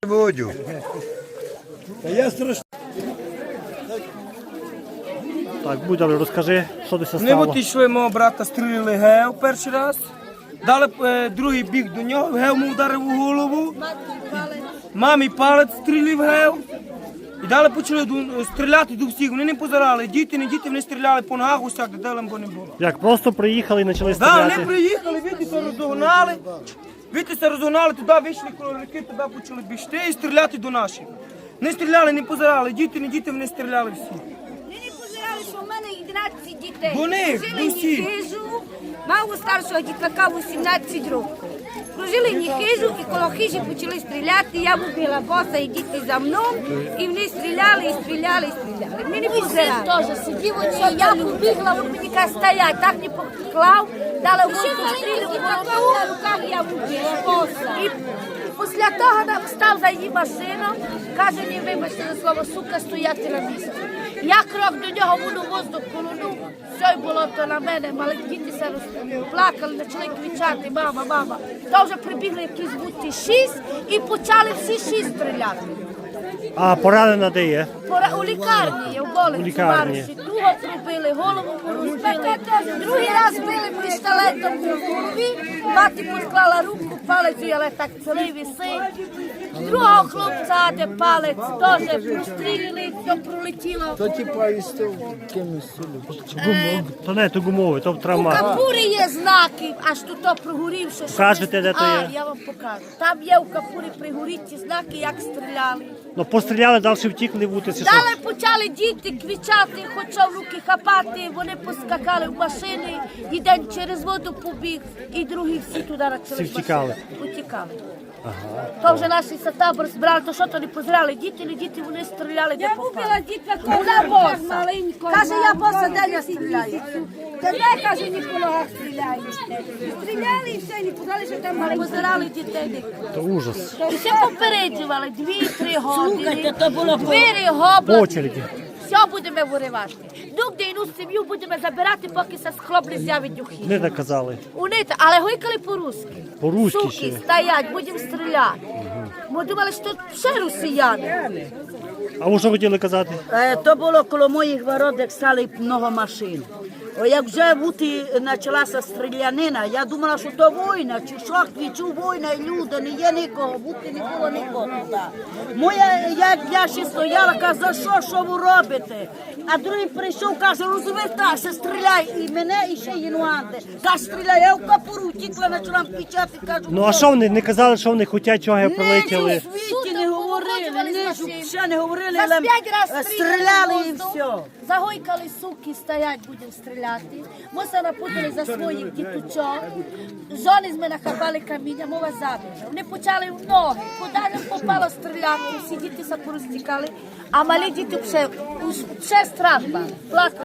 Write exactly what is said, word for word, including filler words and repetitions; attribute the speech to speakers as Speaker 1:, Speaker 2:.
Speaker 1: Водю.
Speaker 2: Та я страшно.
Speaker 3: Так, Будяли, розкажи, що десь
Speaker 4: Ми
Speaker 3: стало.
Speaker 4: от йшли, мого брата стрілили гев перший раз. Дали е, другий бік до нього, гев му вдарив у голову. Мамі палець стрілив гев. І далі почали ду- стріляти до всіх. Вони не позирали. Діти, не діти, вони стріляли по ногах, усяк, де делем бо не було.
Speaker 3: Як просто приїхали і почали
Speaker 4: Да,
Speaker 3: стріляти?
Speaker 4: вони приїхали, вітися розогнали. Вітися розогнали, туди вийшли колорики, туди почали бігти і стріляти до наших. Не стріляли, не позирали. Діти, не діти, вони стріляли всі.
Speaker 5: Вони не позирали, що в мене одинадцять дітей.
Speaker 4: Вони,
Speaker 5: Прожили
Speaker 4: усі.
Speaker 5: ні хижу, мав у старшого дітка вісімнадцять років. Прожили ні хижу і коло хижі почали стріляти. Я вбила боса і діти за мною. І вони стріляли, і стріляли, і стріляли. Ми не позирали. теж сидів, оці, я побігла, він мені каже, стоять, так не поклав, дали воздух стрілю, на руках я вбила боса. І після того нам став за її машину, каже, не вибачте за слово, сука, стояти на місці. Я крок до нього, воно воздух колонув, все було то на мене, мали діти се плакали, почали кричати, мама, мама. То вже прибігли якісь бути шість і почали всі шість стріляти.
Speaker 3: А поранена де є?
Speaker 5: Пора у лікарні, в
Speaker 3: У
Speaker 5: больниці
Speaker 3: лікарні.
Speaker 5: Марші. Другого пробили, голову розбили. Другий раз били пістолетом по голові, мати посклала руку, палець, але так цілий висить. Другого хлопця, де палець, теж прострілили, все пролетіло.
Speaker 2: То типа із того кимось сюди.
Speaker 3: То не, то гумовий, то
Speaker 5: У
Speaker 3: травма.
Speaker 5: капурі є знаки, аж тут то прогорівши. що
Speaker 3: Покажете,
Speaker 5: ми-
Speaker 3: де то
Speaker 5: А,
Speaker 3: є?
Speaker 5: я вам покажу. Там є у капурі пригоріті знаки, як стріляли.
Speaker 3: Ну постріляли, далі втікли в утиці.
Speaker 5: Далі почали діти кричати, хоча в руки хапати, вони поскакали в машини, один через воду побіг, і другі всі туди почали.
Speaker 3: Всі втікали?
Speaker 5: Утікали. То вже наші табор збирали, то що то не позирали, діти, не діти, вони стріляли, де попали. Вона боса. Каже, я боса, де я стріляю? Тебе, каже, ні по ногах стріляє. Стріляли і все, не подали, що там мали. Позирали дітей.
Speaker 3: То ужас.
Speaker 5: І все попереджували, дві-три години.
Speaker 6: Слухайте, то було по-
Speaker 5: Двері
Speaker 3: По
Speaker 5: гобла.
Speaker 3: очереді.
Speaker 5: Все будемо виривати. Дук одну сім'ю будемо забирати, поки се схлоп не з'явить духи.
Speaker 3: Не наказали.
Speaker 5: Вони, але гойкали по-русски.
Speaker 3: По-руськи
Speaker 5: Суки,
Speaker 3: ще.
Speaker 5: стоять, будемо стріляти. Ми думали, що тут ще росіяни.
Speaker 3: А ви що хотіли казати?
Speaker 6: Е, То було коло моїх ворот, як стали много машин. О, як вже бути почалася стрілянина, я думала, що то війна, чи що, кричу, війна, і люди, не є нікого, бути не було нікого туди. Моя, як я ще стояла, каже, за що, що ви робите? А другий прийшов, каже, розвертайся, стріляй, і мене, і ще інуанти. Каже, стріляй, я в капуру втікла, почала кричати, кажу,
Speaker 3: Ну а що вони не казали, що вони хочуть, чого прилетіли?
Speaker 6: ні, в світі не говорили, ні, ще не говорили,
Speaker 5: За
Speaker 6: але
Speaker 5: п'ять раз
Speaker 6: стріляли і
Speaker 5: воздух,
Speaker 6: все.
Speaker 5: Загойкали суки, стоять, будемо стріляти. Ми се напутали за своїх діточок. Жони з мене хапали каміння, мова забіжа. Вони почали в ноги. Куди не попало стріляти, всі діти се порозтікали. А малі діти ще, ще страх, плакали.